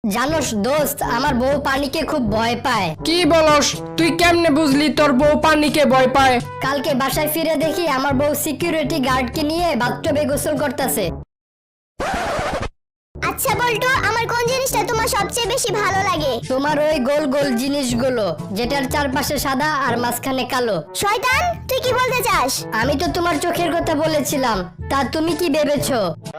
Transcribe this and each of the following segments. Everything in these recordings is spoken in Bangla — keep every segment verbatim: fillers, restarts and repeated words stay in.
জানোস দোস্ত, আমার বউ পানিকে খুব ভয় পায়। কি বলস? তুই কেমনে বুঝলি তোর বউ পানিকে ভয় পায়? কালকে বাসায় ফিরে দেখি আমার বউ সিকিউরিটি গার্ডকে নিয়ে বাথটবে গোসল করতেছে। আচ্ছা বল্টু, আমার কোন জিনিসটা তোমার সবচেয়ে বেশি ভালো লাগে? তোমার ওই গোল গোল জিনিসগুলো, যেটার চারপাশে সাদা আর মাঝখানে কালো। শয়তান, তুই কি বলতে চাস? আমি তো তোমার চোখের কথা বলেছিলাম, তা তুমি কি ভেবেছো?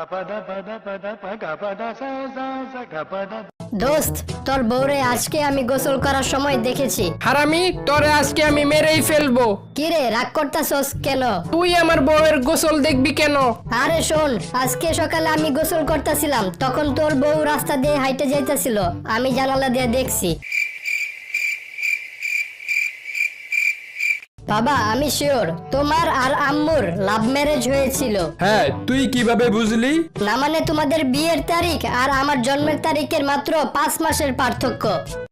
দোস্ত, তোর বউরে আজকে আমি গোসল করার সময় দেখেছি। হারামি, তোরে আজকে আমি মেরেই ফেলবো। কিরে, রাগ করতাছস কেন? তুই আমার বউয়ের গোসল দেখবি কেন? আরে শোন, আজকে সকালে আমি গোসল করতেছিলাম, তখন তোর বউ রাস্তা দিয়ে হাইটে যাইতেছিল, আমি জানালা দিয়ে দেখছি। বাবা, আমি শিওর তোমার আর আম্মুর লাভ ম্যারেজ হয়েছিল। হ্যাঁ, তুই কিভাবে বুঝলি? না মানে তোমাদের বিয়ের তারিখ আর আমার জন্মের তারিখের মাত্র পাঁচ মাসের পার্থক্য।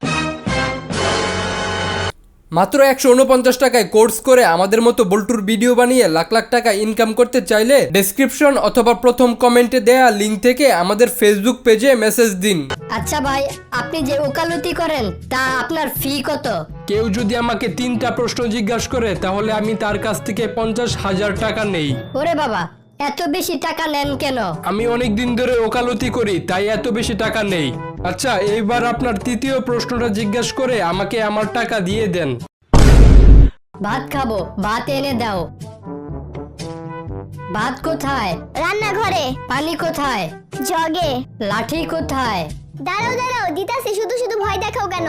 মাত্র একশো উনপঞ্চাশ টাকায় কোর্স করে আমাদের মতো বল্টুর ভিডিও বানিয়ে লাখ লাখ টাকা ইনকাম করতে চাইলে ডেসক্রিপশন অথবা প্রথম কমেন্টে দেয়া লিঙ্ক থেকে আমাদের ফেসবুক পেজে মেসেজ দিন। আচ্ছা ভাই, আপনি যে ওকালতি করেন তা আপনার ফি কত? কেউ যদি আমাকে তিনটা প্রশ্ন জিজ্ঞাসা করে তাহলে আমি তার কাছ থেকে পঞ্চাশ হাজার টাকা নেই। ওরে বাবা, এত বেশি টাকা নেন কেন? আমি অনেক দিন ধরে ওকালতি করি, তাই এত বেশি টাকা নেই। আচ্ছা, এইবার আপনার তৃতীয় প্রশ্নটা জিজ্ঞাসা করে আমাকে আমার টাকা দিয়ে দেন। ভাত খাবো, ভাত এনে দাও। ভাত কোথায়? রান্নাঘরে। পানি কোথায়? জগে। লাঠি কোথায়? দাঁড়াও দাঁড়াও, দিতাছি, শুধু শুধু ভয় দেখাও কেন?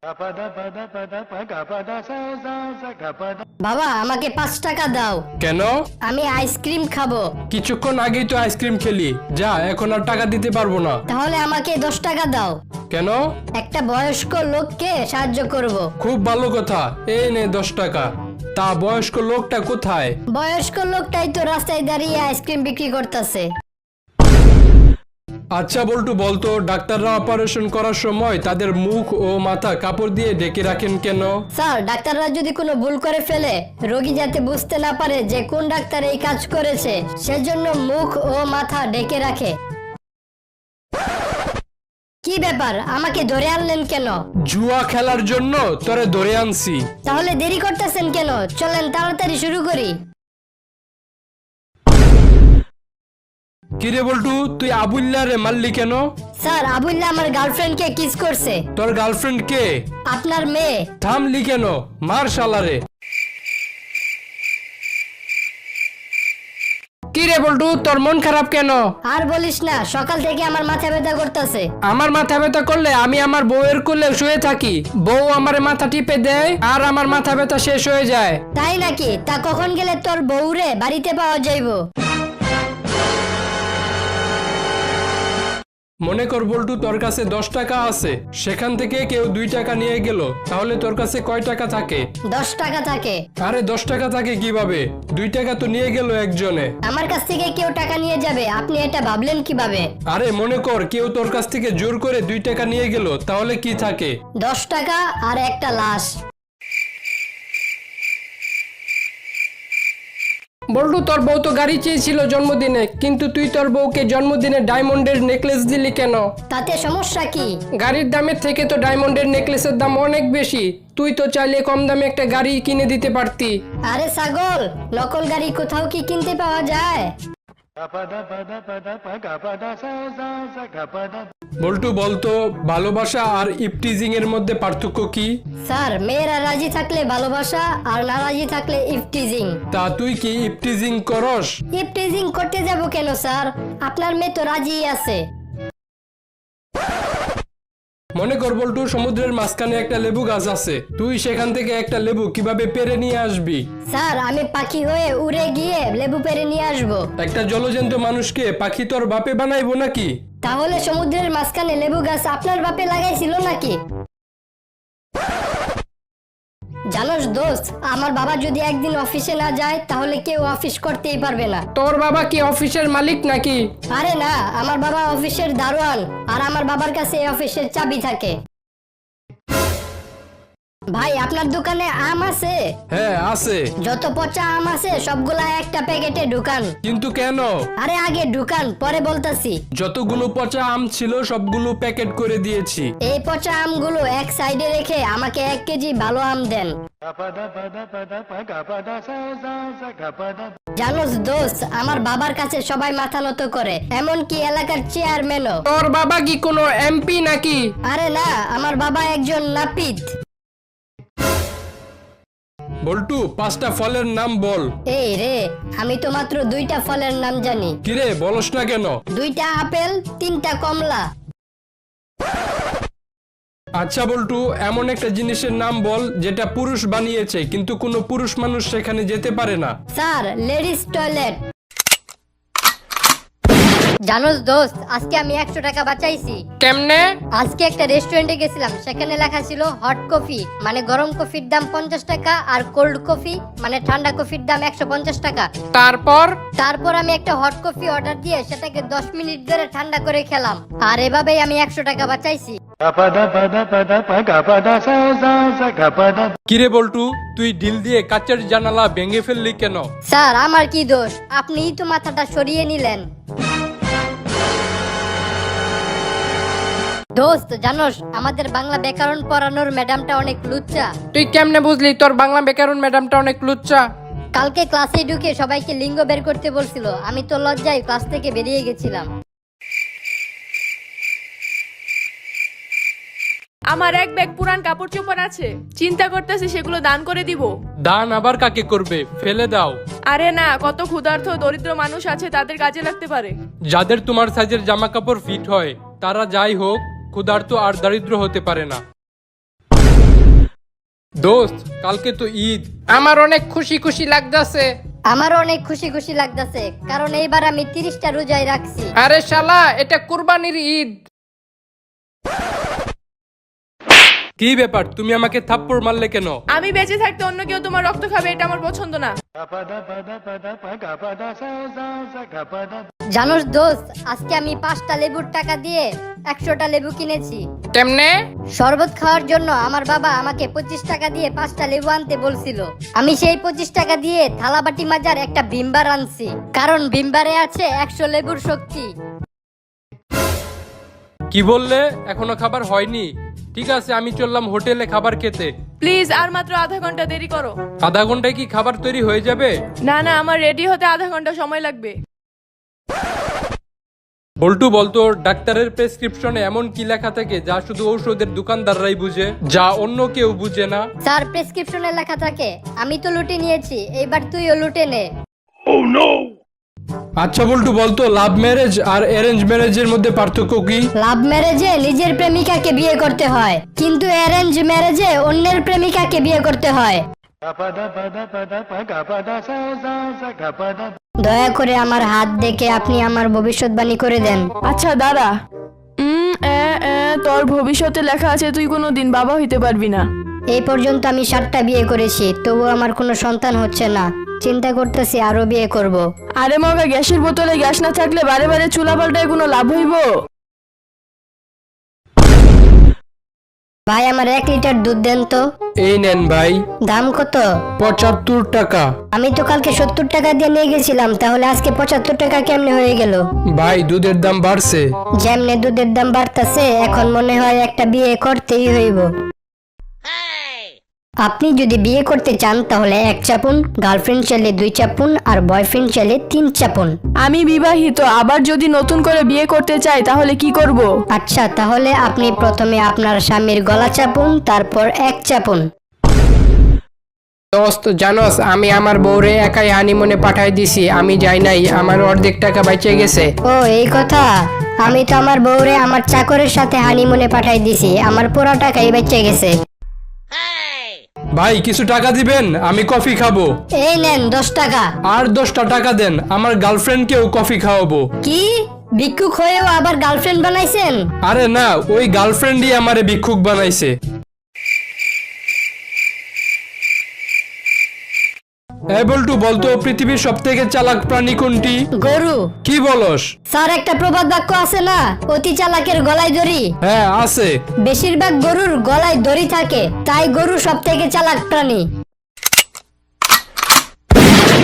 বাবা, আমাকে পাঁচ টাকা দাও, কেন? আমি আইসক্রিম খাবো। কিছুক্ষণ আগেই তো আইসক্রিম খেলি, যা এখন আর টাকা দিতে পারবো না। তাহলে আমাকে দশ টাকা দাও, কেন? একটা বয়স্ক লোককে সাহায্য করব। খুব ভালো কথা, এই নে দশ টাকা। তা বয়স্ক লোকটা কোথায়? বয়স্ক লোকটাই তো রাস্তায় দাঁড়িয়ে আইসক্রিম বিক্রি করতেছে। আচ্ছা বল্টু, বলতো ডাক্তাররা অপারেশন করার সময় তাদের মুখ ও মাথা কাপড় দিয়ে ঢেকে রাখেন কেন? স্যার, ডাক্তাররা যদি কোনো ভুল করে ফেলে, রোগী যাতে বুঝতে না পারে যে কোন ডাক্তার এই কাজ করেছে, সেজন্য মুখ ও মাথা ঢেকে রাখে। কি ব্যাপার, আমাকে ধরে আনলেন কেন? জুয়া খেলার জন্য তোরে ধরে আনছি। তাহলে দেরি করতেছেন কেন? চলেন তাড়াতাড়ি শুরু করি। কিরে বল্টু, তুই আবুল্লা রে মারলি কেন? স্যার, আবুল্লাহ আমার গার্লফ্রেন্ডকে কিস করছে। তোর গার্লফ্রেন্ড কে? আপনার মেয়ে। থামলি কেন? মার শালারে। কি রে বল্টু, তোর মন খারাপ কেন? আর বলিস না, সকাল থেকে আমার মাথা ব্যথা করতেছে। আমার মাথা ব্যথা করলে আমি আমার বউয়ের কোলে শুয়ে থাকি, বউ আমার মাথা টিপে দেয় আর আমার মাথা ব্যথা শেষ হয়ে যায়। তাই নাকি? তা কখন গেলে তোর বউরে বাড়িতে পাওয়া যাইব? মনে কর বল্টু, তোর কাছে দশ টাকা আছে, সেখান থেকে কেউ দুই টাকা নিয়ে গেল, তাহলে তোর কাছে কয় টাকা থাকে? দশ টাকা থাকে। আরে দশ টাকা থাকে কিভাবে? দুই টাকা তো নিয়ে গেল একজনে। আমার কাছ থেকে কেউ টাকা নিয়ে যাবে, আপনি এটা ভাবলেন কিভাবে? আরে মনে কর কেউ তোর কাছ থেকে জোর করে দুই টাকা নিয়ে গেল, তাহলে কি থাকে? দশ টাকা আর একটা লাশ। বল্টু, তোর বউ তো গাড়ি চেয়েছিল জন্মদিনে, কিন্তু তুই তোর বউকে জন্মদিনে ডায়মন্ডের নেকলেস দিলি কেন? তাতে সমস্যা কি? গাড়ির দামের থেকে তো ডায়মন্ডের নেকলেসের দাম অনেক বেশি, তুই তো চাইলে কম দামে একটা গাড়ি কিনে দিতে পারতি। আরে ছাগল, নকল গাড়ি কোথাও কি কিনতে পাওয়া যায়? বল্টু, বলতো ভালোবাসা আর ইপটিজিং এর মধ্যে পার্থক্য কি? স্যার, মেয়েরা রাজি থাকলে ভালোবাসা, আর না রাজি থাকলে ইফটিজিং। তা তুই কি ইপটিজিং করস? ইফটিজিং করতে যাব কেন স্যার? আপনার মেয়ে তো রাজিই আছে। মনে কর বল্টু, সমুদ্রের মাঝখানে একটা লেবু গাছ আছে, তুই সেখান থেকে একটা লেবু কিভাবে পেরে নিয়ে আসবি? স্যার, আমি পাখি হয়ে উড়ে গিয়ে লেবু পেরে নিয়ে আসবো। একটা জলজন্ত মানুষকে পাখি তোর বাপে বানাইবো নাকি? তাহলে সমুদ্রের মাঝখানে লেবু গাছ আপনার বাপে লাগাইছিল নাকি? জানোস দোস্ত, আমার বাবা যদি একদিন অফিসে না যায় তাহলে কেউ অফিস করতেই পারবে না। তোর বাবা কি অফিসের মালিক নাকি? আরে না, আমার বাবা অফিসের দারোয়ান, আর আমার বাবার কাছে এই অফিসের চাবি থাকে। ভাই আপনার দোকানে আম আছে? হ্যাঁ আছে। যত পচা আম আছে সবগুলা একটা প্যাকেটে ঢুকান। কিন্তু কেন? আরে আগে ঢুকান, পরে বলতাছি। যতগুলো পচা আম ছিল সবগুলো প্যাকেট করে দিয়েছি। এই পচা আমগুলো এক সাইডে রেখে আমাকে এক কেজি ভালো আম দেন। জানোস দোস্ত, আমার বাবার কাছে সবাই মাথা নত করে, এমনকি এলাকার চেয়ারম্যানও। তোর বাবা কি কোনো এমপি নাকি? আরে না, আমার বাবা একজন নাপিত। বল্টু, পাঁচটা ফলের নাম বল। এই রে, আমি তো মাত্র দুইটা ফলের নাম জানি। কিরে বলস না কেন? দুইটা আপেল, তিনটা কমলা। আচ্ছা বল্টু, এমন একটা জিনিসের নাম বল যেটা পুরুষ বানিয়েছে কিন্তু কোনো পুরুষ মানুষ সেখানে যেতে পারে না। Sir, ladies toilet. জানোস দোস্ত, আজকে আমি একশো টাকা বাঁচাইছি। কেমনে? আজকে একটা রেস্টুরেন্টে গেছিলাম, সেখানে লেখা ছিল হট কফি মানে গরম কফির দাম পঞ্চাশ টাকা, আর কোল্ড কফি মানে ঠান্ডা কফির দাম একশো পঞ্চাশ টাকা। তারপর? তারপর আমি একটা হট কফি অর্ডার দিয়ে সেটাকে দশ মিনিট ধরে ঠান্ডা করে খেলাম, আর এভাবেই আমি একশো টাকা বাঁচাইছি। কিরে বল্টু, তুই ডিল দিয়ে কাচের জানালা ভেঙে ফেললি কেন? স্যার, আমার কি দোষ? আপনিই তো মাথাটা সরিয়ে নিলেন। দোস্ত জানোস, আমাদের বাংলা ব্যাকরণ পড়ানোর ম্যাডামটা অনেক লুচ্চা। তুই কেমনে বুঝলি তোর বাংলা ব্যাকরণ ম্যাডামটা অনেক লুচ্চা? কালকে ক্লাসে ঢুকে সবাইকে লিঙ্গ বের করতে বলছিল, আমি তো লজ্জায় ক্লাস থেকে বেরিয়ে গেছিলাম। আমার এক ব্যাগ পুরান কাপড় চোপড় আছে, চিন্তা করতেছি সেগুলো দান করে দিব। দান আবার কাকে করবে? ফেলে দাও। আরে না, কত ক্ষুধার্ত দরিদ্র মানুষ আছে, তাদের কাজে লাগতে পারে। যাদের তোমার সাইজের জামা কাপড় ফিট হয় তারা যাই হোক ক্ষুধার্ত আর দারিদ্র হতে পারে না। দোস্ত, কালকে তো ঈদ। আমার অনেক খুশি খুশি লাগতাছে। আমারও অনেক খুশি খুশি লাগতেছে, কারণ এইবার আমি তিরিশটা রোজায় রাখছি। আরে শালা, এটা কুরবানির ঈদ। কি ব্যাপার, তুমি আমাকে থাপ্পড় মারলে কেন? আমি বেঁচে থাকতে অন্য কেউ তোমার রক্ত খাবে, এটা আমার পছন্দ না। জানোস দোস্ত, আজকে আমি পাঁচটা লেবুর টাকা দিয়ে একশোটা লেবু কিনেছি। কেমনে? শরবত খাওয়ার জন্য আমার বাবা আমাকে পঁচিশ টাকা দিয়ে পাঁচটা লেবু আনতে বলছিল। আমি সেই পঁচিশ টাকা দিয়ে থালাবাটি মাজার একটা ভিমবার আনছি, কারণ ভিমবারে আছে একশো লেবুর শক্তি। কি বললে? এখনো খাবার হয়নি? ঠিক আছে, আমি চললাম হোটেলে খাবার খেতে। প্লিজ আর মাত্র আধা ঘন্টা দেরি করো। আধা ঘন্টায় কি খাবার তৈরি হয়ে যাবে? না না, আমার রেডি হতে আধা ঘন্টা সময় লাগবে। বল্টু বলতো, ডাক্তারের প্রেসক্রিপশনে এমন কি লেখা থাকে যা শুধু ঔষধের দোকানদাররাই বুঝে, যা অন্য কেউ বুঝে না? স্যার, প্রেসক্রিপশনে লেখা থাকে। আমি তো লুটে নিয়েছি, এইবার তুইও লুটে নে। আচ্ছা বল্টু বলতো, লাভ ম্যারেজ আর অ্যারেঞ্জ ম্যারেজের মধ্যে পার্থক্য কি? লাভ ম্যারেজে নিজের প্রেমিকাকে বিয়ে করতে হয়, কিন্তু অ্যারেঞ্জ ম্যারেজে অন্যের প্রেমিকাকে বিয়ে করতে হয়। দয়া করে আমার হাত দেখে আপনি আমার ভবিষ্যৎবাণী করে দেন। আচ্ছা দাঁড়া। উম, এ, এ, তোর ভবিষ্যতে লেখা আছে তুই কোনো দিন বাবা হইতে পারবি না। এই পর্যন্ত আমি সাতটা বিয়ে করেছি, তবু আমার কোনো সন্তান হচ্ছে না। চিন্তা করতেছি আরো বিয়ে করব। আরে মগা, গ্যাসের বোতলে গ্যাস না থাকলে বারে বারে চুলা পাল্টায় কোনো লাভ হইব? ভাই, আমার এক লিটার দুধ দেন তো। এই নেন ভাই। দাম কত? পঁচাত্তর টাকা। আমি তো কালকে সত্তর টাকা দিয়ে নিয়ে গেছিলাম, তাহলে আজকে পঁচাত্তর টাকা কেমনে হয়ে গেল? ভাই, দুধের দাম বাড়ছে। যেমনে দুধের দাম বাড়তেছে, এখন মনে হয় একটা বিয়ে করতেই হইব। আপনি যদি বিয়ে করতে চান তাহলে এক চাপুন, গার্লফ্রেন্ড চাইলে দুই চাপুন, আর বয়ফ্রেন্ড চাইলে তিন চাপুন। আমি বিবাহিত, আবার যদি নতুন করে বিয়ে করতে চাই তাহলে কি করব? আচ্ছা, তাহলে আপনি প্রথমে আপনার স্বামীর গলা চাপুন, তারপর এক চাপুন। দোস্ত জানোস, আমি আমার বউরে একাই হানিমুনে পাঠাই দিছি, আমি যাই নাই, আমার অর্ধেক টাকা বেঁচে গেছে। ও এই কথা। আমি তো আমার বউরে আমার চাকরের সাথে হানিমুনে পাঠাই দিছি, আমার পুরো টাকাই বেঁচে গেছে। ভাই, কিছু টাকা দিবেন, আমি কফি খাবো। এই নেন দশ টাকা। আর দশটা টাকা দেন, আমার গার্লফ্রেন্ডকেও কফি খাওয়াবো। কি, ভিক্ষুক হয়েও আবার গার্লফ্রেন্ড বানাইছেন? আরে না, ওই গার্লফ্রেন্ডই আমারে ভিক্ষুক বানাইছে। এ বল্টু বলতো পৃথিবীর সব থেকে চালাক প্রাণী কোনটি? গরু। কি বলস? স্যার একটা প্রবাদ বাক্য আছে না, অতি চালাকের গলায় দড়ি। হ্যাঁ আছে। বেশিরভাগ গরুর গলায় দড়ি থাকে, তাই গরু সব থেকে চালাক প্রাণী।